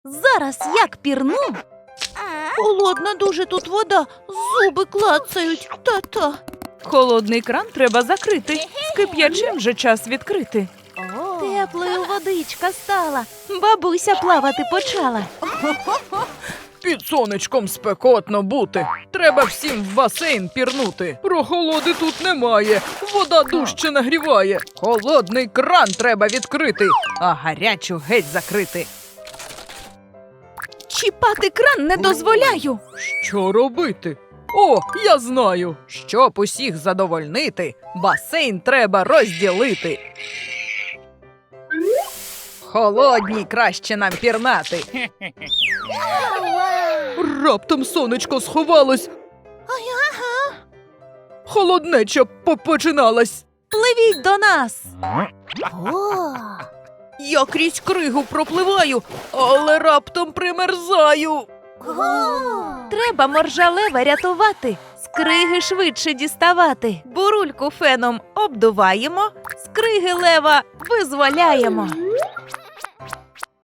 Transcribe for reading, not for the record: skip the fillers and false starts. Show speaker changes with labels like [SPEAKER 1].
[SPEAKER 1] Зараз як пірну. Холодна дуже тут вода, зуби клацають, та-та.
[SPEAKER 2] Холодний кран треба закрити. З кип'ячим же час відкрити.
[SPEAKER 1] Теплою водичка стала, бабуся плавати почала.
[SPEAKER 3] Під сонечком спекотно бути. Треба всім в басейн пірнути. Прохолоди тут немає. Вода дужче нагріває. Холодний кран треба відкрити, а гарячу геть закрити.
[SPEAKER 1] Чіпати кран не дозволяю.
[SPEAKER 3] Що робити? О, я знаю. Щоб усіх задовольнити, басейн треба розділити. Холодній краще нам пірнати. Раптом сонечко сховалось. Холоднеча починалась.
[SPEAKER 1] Пливіть до нас.
[SPEAKER 3] Я крізь кригу пропливаю, але раптом примерзаю.
[SPEAKER 1] Треба моржалева рятувати, з криги швидше діставати. Бурульку феном обдуваємо, з криги лева визволяємо.